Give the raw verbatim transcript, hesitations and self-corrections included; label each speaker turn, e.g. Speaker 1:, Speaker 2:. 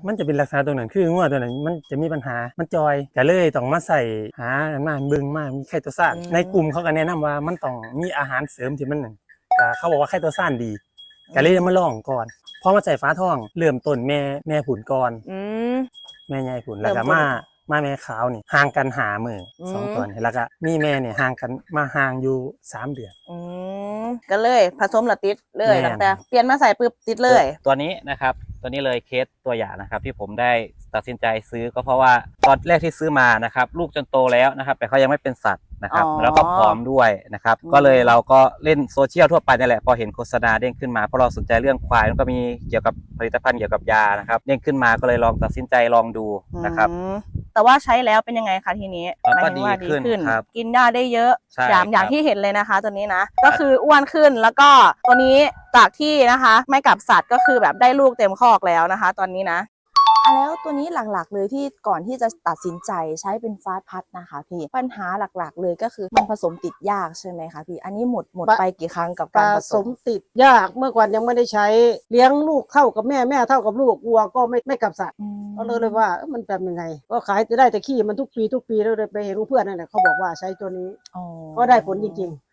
Speaker 1: มันจะเป็นลักษณะตรงนั้นคืองัวตัวนั้นมันจะมีปัญหามันจอยก็เลยต้องมาใส่หามาเบิ่งมามีไข่ตัวซ่านในกลุ่มเขาก็แนะนำว่ามันต้องมีอาหารเสริมที่มันนั่นก็เขาบอกว่าไข่ตัวซ่านดีก็เลยมาลองก่อนพอมาใส่ฟ้าทองเริ่มต้นแม่แม่ผุนก่อนแม่ใหญ่ผุนแล้วก็มามาแม่ขาวนี่ห่างกันหามือสองตัวนี่แล้วก็มีแม่เนี่ยห่างกันมาห่างอยู่สามเดือน
Speaker 2: ก็เลยผสมละติดเลยตั้งแต่เปลี่ยนมาใส่ปุ๊บติดเลย
Speaker 3: ตัวนี้นะครับตัวนี้เลยเคสตัวอย่างนะครับที่ผมได้ตัดสินใจซื้อก็เพราะว่าตอนแรกที่ซื้อมานะครับลูกจนโตแล้วนะครับแต่เขายังไม่เป็นสัตว์นะครับแล้วก็พร้อมด้วยนะครับก็เลยเราก็เล่นโซเชียลทั่วไปนี่แหละพอเห็นโฆษณาเด้งขึ้นมาเพราะเราสนใจเรื่องควายแล้วก็มีเกี่ยวกับผลิตภัณฑ์เกี่ยวกับยานะครับเด้งขึ้นมาก็เลยลองตัดสินใจลองดูนะครับ
Speaker 2: แต่ว่าใช้แล้วเป็นยังไงคะทีนี้
Speaker 3: ก็ดีขึ้นครับ
Speaker 2: กินหญ้าได้เยอะอย่างอย่างที่เห็นเลยนะคะตัวนี้นะก็คืออ้วนขึ้นแล้วก็ตัวนี้จากที่นะคะไม่กับสัตว์ก็คือแบบได้ลูกเต็มคอกแล้วนะคะตอนนี้นะ
Speaker 4: อ่ะแล้วตัวนี้หลักๆเลยที่ก่อนที่จะตัดสินใจใช้เป็นฟาสต์พัดนะคะพี่ปัญหาหลักๆเลยก็คือมันผสมติดยากใช่ไหมคะพี่อันนี้หมดหมดไปกี่ครั้งกับการผสม
Speaker 5: ติดยากเมื่อก่อนยังไม่ได้ใช้เลี้ยงลูกเท่ากับแม่แม่เท่ากับลูกวัวก็ไม่ไม่กับสัตว์ก็เลยเลยว่ามันเป็นยังไงก็ขายจะได้แต่ขี้มันทุกปีทุกปีแล้วเลยไปเห็นเพื่อนนั่นแหละเขาบอกว่าใช้ตัวนี้ก็ได้ผลจริงๆ